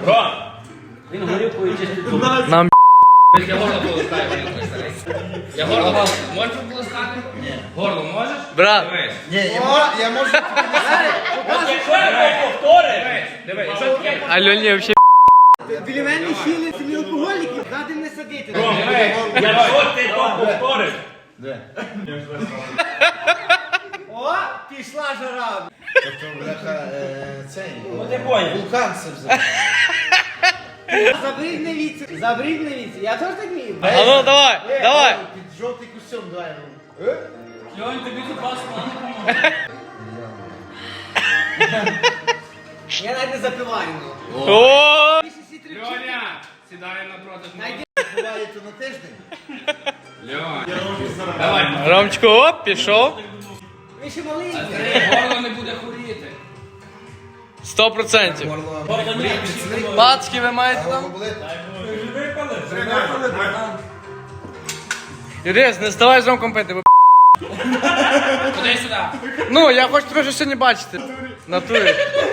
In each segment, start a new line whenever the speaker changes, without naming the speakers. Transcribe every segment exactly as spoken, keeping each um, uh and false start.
Ром! Він горілкою чистить.
Нам
Я горло полоскаю, я горло можеш полоскати? Ні. Горло можеш?
брат.
Дивись.
Ні, я можу, я можу.
Якщо я повтори,
Дивись, що таке?
Альоні взагалі.
Біля мене хіли самі алкоголіки, ради не садити.
Ром, якщо ти то повториш,
О, пішла жара.
Тобто, бляха, е, цей.
ну ти поняв.
Вулкан це взяв.
Забридь не віці, забридь не віці. Я теж так вмію.
А ну давай, давай.
Під жовтий костюм, давай.
Льонь, тобі тут вас мало допоможе.
Я навіть не запиваю. ну.
О!
Льоня, сідай напроти.
Найди.
Буває то на тиждень.
Льонь. Давай.
Ромчко, оп, пішов.
Ви ще маленький.
Горло не буде хворіти.
Сто процентів.
Горло.
Пацки ви маєте там?
Горло болить?
Юріс, не ставай з Ромком пити, бо
Куди сюди?
ну, я хочу тебе вже сьогодні бачити. Натурі.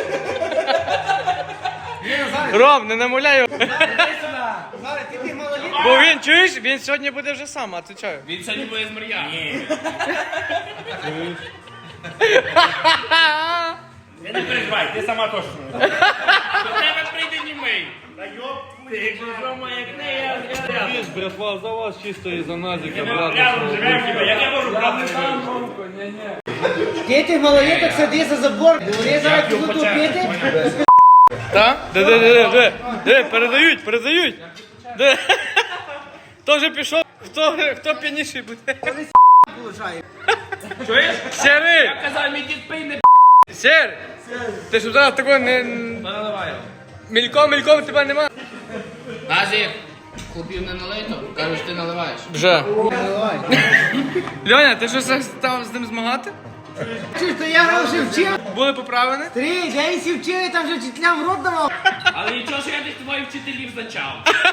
Ром, не намуляй його.
Зараз ти тих малолітніх.
Бо він, чуєш, він сьогодні буде вже сам, а ти чого?
Він сьогодні буде з Мар'яном.
я не переживай, ти сама точно.
До тебе прийде німий.
Ти якщо що моя книга, я
Есть, братва, за вас чисто из-за Назика, брат.
рядом живемо, хіба, як я можу брати?
Ти тих малоліток сиди за забор. Вони зараз підуть пити.
Так? Де, де, де, де, де, де, передають, передають. Де? Хто вже пішов, хто, хто п'яніший буде?
Получає.
Чуєш?
Сірий,
Я казав, мій дід пий не
Сірий. Ти щоб зараз такого не...
наливай.
Мільком, мільком тебе нема.
Назік, хлопів не налито, кажеш, ти наливаєш.
Вже. Льоня, ти що став з ним змагати?
Чуєш, то я вже вчив.
Були поправлені?
Три, дев'ять сів вчили, там вже вчителям в рот давав.
Але нічого, що я тих твоїх вчителів зачав.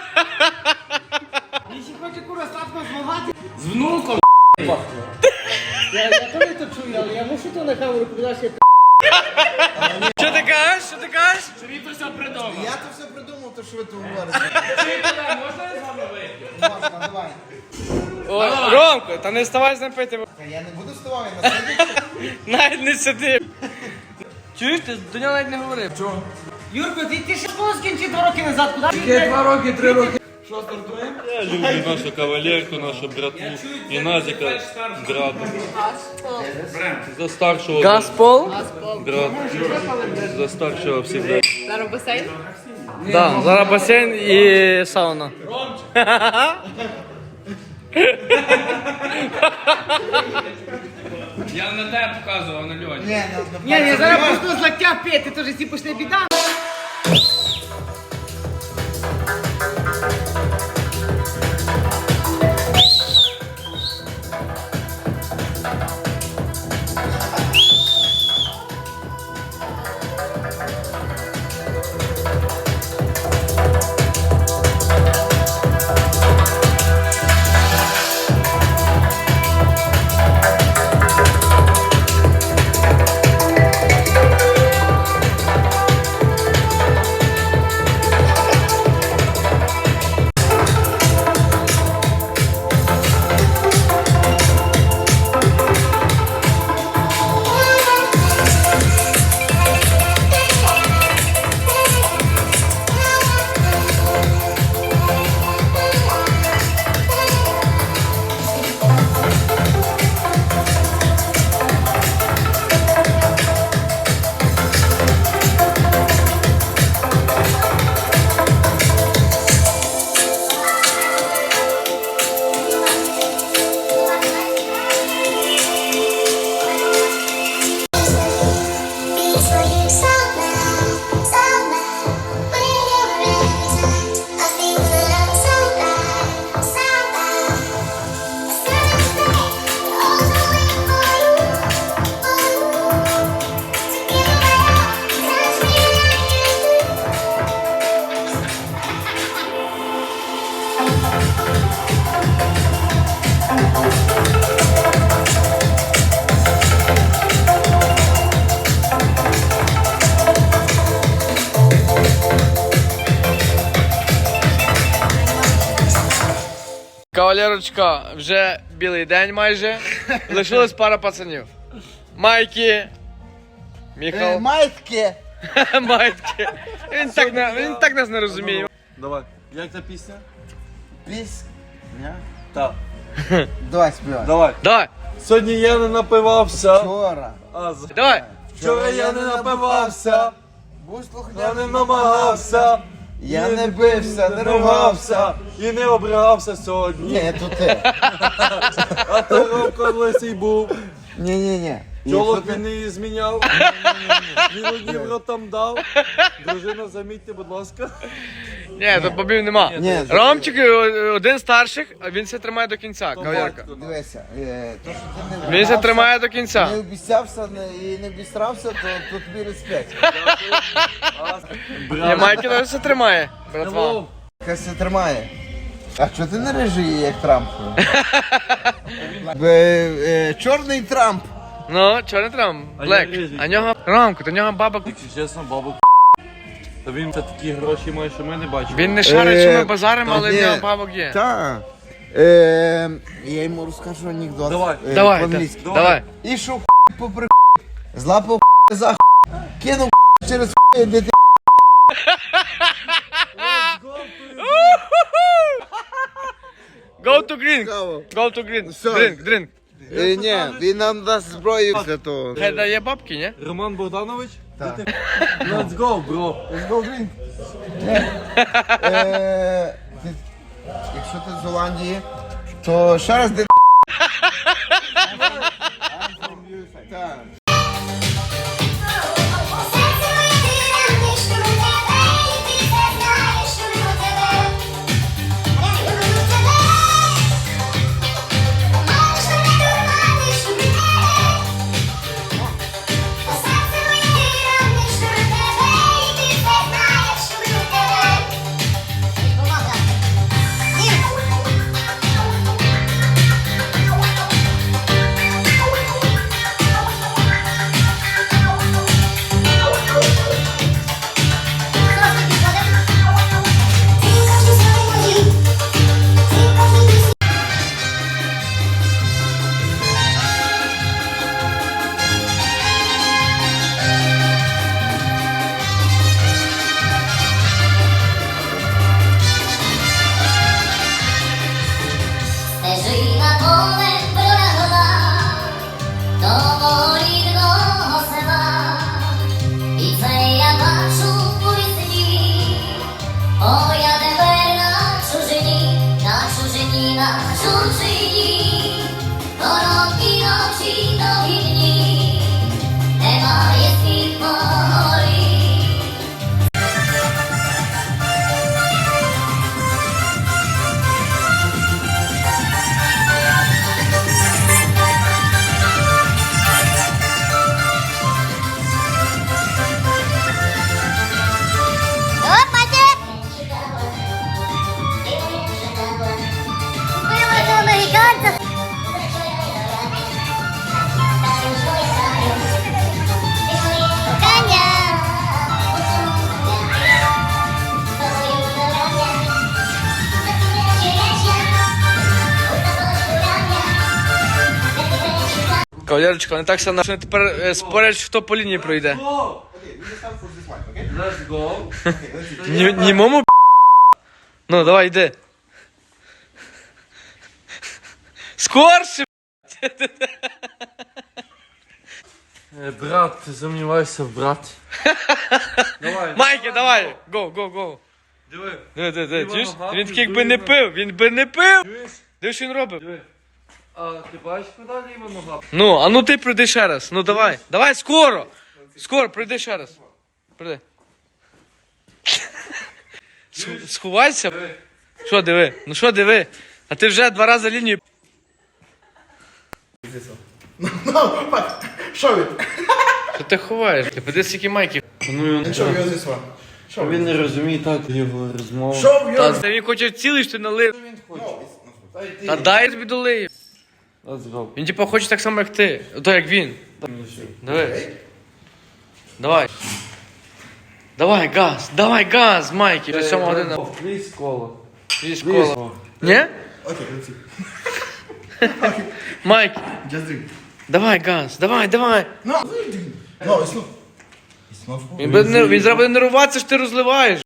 Він ще хоче кура сладко змагати.
З внуком.
Я, я теж то чую, але я мушу то на камеру передати.
Що ти кажеш? Що ти кажеш?
Що він то все придумав.
Я то все придумав, то що ви тут говорите.
Вчителя, можна я з вами вийти?
Можна, давай.
О, Ромко, та не вставай з ним пити, бо
Та я не буду вставати, на сидіти.
навіть не сиди. Чуєш, ти до нього навіть не говорив. Чого?
Юрко, ти, ти ще школу скінчив два роки назад. Куди?
Я два роки, три роки.
Я люблю нашу кавалерку, нашу братву и Назика, брата. За старшего
Газпол?
брат, за старшего всегда.
Зараз басейн?
Да, зараз басейн і сауна.
Я на тебе показував, на Льоні.
Ні, ну,
Ні, я зараз просто з локтя пити, то вже всі пішли біда.
Кавалерочка, вже білий день майже. Лишилась пара пацанів. Майки.
Е,
Міхал.
Майтки.
Майтки. Він так, не, він так нас не розуміє.
Давай. Як ця пісня?
Піс. Ні?
Так.
Давай співай.
Давай.
Давай,
Сьогодні я не напивався.
Вчора.
А з-
давай.
Вчора я не напивався.
Будь
Я
слухняний.
не намагався.
Я
і
не бився, не ругався.
І не обрагався сьогодні.
Ні, то ти.
А то Ромко лисий був.
Ні, ні, ні.
Чолок він не зміняв. Він однім ротом дав. Дружина, замітьте, будь ласка.
Ні, тут бобів нема.
Ні,
Ромчик е, один з старших, а він все тримає до кінця, кавалерка.
Дивися, е, то, що ти не
Він все
вдався,
тримає до кінця.
не обіцявся не- і не обістрався, то, то тобі респект.
Ні, Майки теж все тримає, братва.
Хай се тримає. А чого ти не режий, як Трамп? Бе, е, Чорний Трамп.
Ну, чорний Трамп,
А
Блек.
я рижий.
А нього Ромку, то нього бабок.
Якщо чесно, бабок. Та він це такі гроші має, що ми не бачимо.
Він не шарить, що ми базаримо,
та
але в
ні.
нього бабок є.
Так. Е, я йому розкажу анекдот.
Давай.
Е,
Давай,
по-англійськи.
та- давай.
І що попри злапав за х**, кинув через х**, де ти
Go to green.
Цікаво.
Go to green.
Все.
Drink, drink.
Е, ні, він нам дасть зброю для того.
Хай дає бабки, ні?
Роман Богданович?
Так.
Let's go, bro.
Let's go drink. Е, ти- Якщо ти з Голландії, то ще раз де. Так.
Стежина полем пролягла до рідного села, і це я бачу у вісні. О, я тепер на чужині, на чужині, на чужині, короткі ночі, довгі дні, немає світ морі.
Кавалерочка, вони так само що тепер е, спорять, хто по лінії пройде.
Let's go.
Ні, німому п***. Ну, давай, йди. Скорше!
Е, Брат, ти сумніваєшся в браті? Давай.
Майки, давай! Го, го, го.
Диви.
Диви, диви, диви, чуєш?
ногами,
Він такий якби не
дуй
пив, він би не пив!
Чуєш?
Диви, що він робив?
Диви. А ти бачиш, куди ліва нога?
Ну, а ну ти прийди ще раз. Ну давай. Давай скоро. Скоро, прийди ще раз. Прийди. Сху- Сховайся. Що диви? Ну що диви? А ти вже два рази лінію.
Що ви?
Що ти ховаєш? Ти подивись, скільки майків.
Що ви зі вами?
Він не розуміє так його розмову.
Що ви?
Та та він хоче цілий, що ти налив. Та дай я тобі долию.
Let's go.
Він типу хоче так само, як ти. То як він. Давай. Давай. Давай, газ, давай, газ, Майки. Вже сьома година.
Пліс коло.
Зі школа. Ні?
Okay, let's see.
Майк,
Just drink.
давай газ, давай, давай.
No, no, it's not. It's not for
Він, буде нер- він зараз буде нервуватися, що ти розливаєш.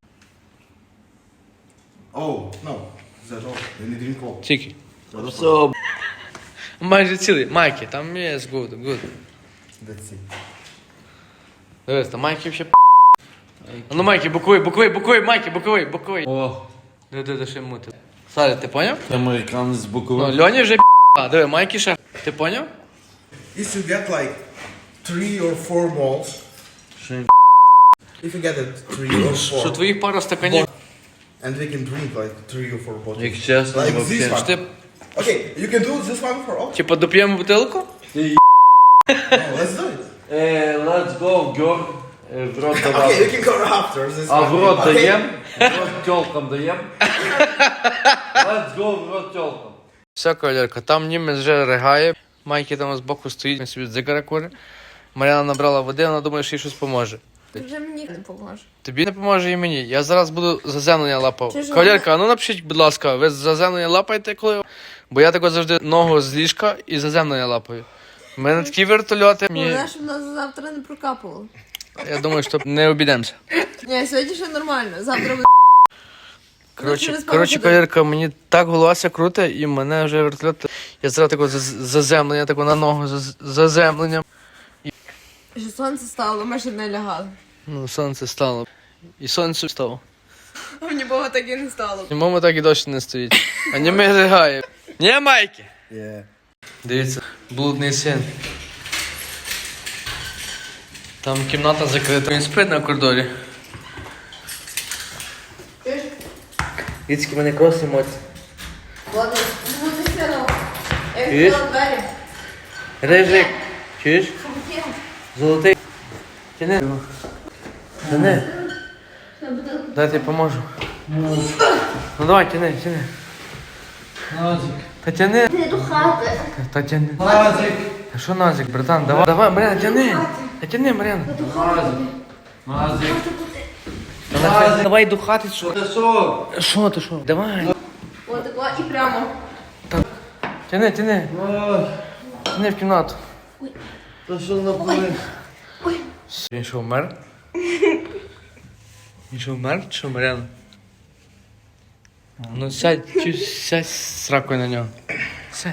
Oh, no. That's all. You need drink all.
Тільки.
So,
Майже цілий. Майки, там є good, good.
let's see.
Дивись, там Майки ще п***. А ну Майки, боковий, боковий, боковий, Майки, боковий, боковий.
О,
Диви, диви, ще мути. Саля, ти поняв?
американець з
Ну,
боковим.
Льоні вже п***. Диви, Майки ще. Ти поняв?
If you get like three or four malls,
Ще
if you get it three or
Що
four,
твоїх пара стаканів.
and we can drink like three or four bottles.
Як чесно,
Like this
вообще.
one.
Що ти,
Okay, you can do this one for all.
типа, доп'ємо бутилку?
No, let's do it.
Е, let's go, girl. Е, в рот
Okay,
давай.
you can go after this
А
one.
в рот
Okay.
даєм? В рот тёлкам даєм? Let's go, в рот тёлкам.
Все, кавалерка, там німець вже ригає. Майки там збоку стоїть, він собі дзигара кури. Мар'яна набрала води, вона думає, що їй щось поможе.
Ти вже мені не поможе.
Тобі не поможе і мені. Я зараз буду заземлення лапав.
Чи ж
Кавалерка, а ну напишіть, будь ласка, ви заземлення лапаєте коли? Бо я тако завжди ногу з ліжка і заземлення лапаю. У мене такі вертольоти. Мені...
Головне, щоб нас завтра не прокапувало.
Я думаю, що не обійдемося.
Ні, сьогодні ще нормально. Завтра буде.
Коротше,
через пару
коротше,
годин.
кавалерка, мені так голова круте, і мене вже вертольот. Я зараз тако заз- заземлення, тако на ногу заз- заземлення.
Що сонце стало, ми ще не лягали.
Ну, сонце стало. І сонце встало.
А мені Бога так і не стало.
І мама так і досі не стоїть. А не ми ригає. Ні, Майки?
Yeah.
Дивіться, блудний син. Там кімната закрита. Він спить на коридорі. Віцьки мене крос емоції.
Ладно, буде сином. Я
Чуєш?
відкрила двері.
Рижик, чуєш?
Фу-фу.
Золотий. Тяни. Тяни. Дай я поможу. Ну давай, тяни, тяни.
Назик.
Та тяни.
Ти до хати.
Та тяни.
Назик.
Та що Назик, братан? Давай, давай, Мар'яна, тяни. Та тяни, Мар'яна.
Назик.
Та нахай- Давай до хати, що?
Та що?
Що ти, що? Давай.
От такого і прямо.
Тяни, тяни.
Ой,
Тяни в кімнату.
та що напали?
Він що, вмер? Він що, вмер? Чи що, Мар'яна? Ну сядь, чу, сядь з сракою на нього. Сядь.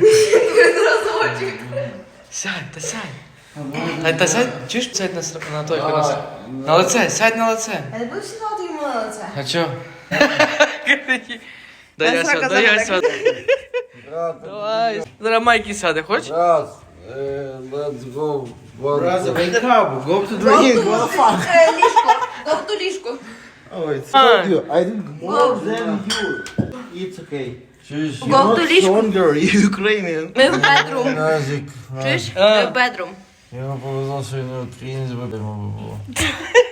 Сядь, та сядь. Та, та сядь, чуєш, сядь на, сра- на той колес. На лице, сядь на лице.
Я не буду сідати йому на лице.
А чо? Дай я сяду, дай я сяду. Давай. Зараз Майки сяде, хочеш?
Раз. Е, let's go.
Brother, wake up. Go to drink. What the fuck?
Е, ліжко. Тобто ліжко.
Oh, it's
Ah.
told you. I drink more than you. It's okay.
Чуєш?
Go to ліжко.
Stronger, you Ukrainian.
Ми в бедрум.
Назик.
Чуєш? Ми в бедрум.
Йому повезло, що він не українець, бо йому би було.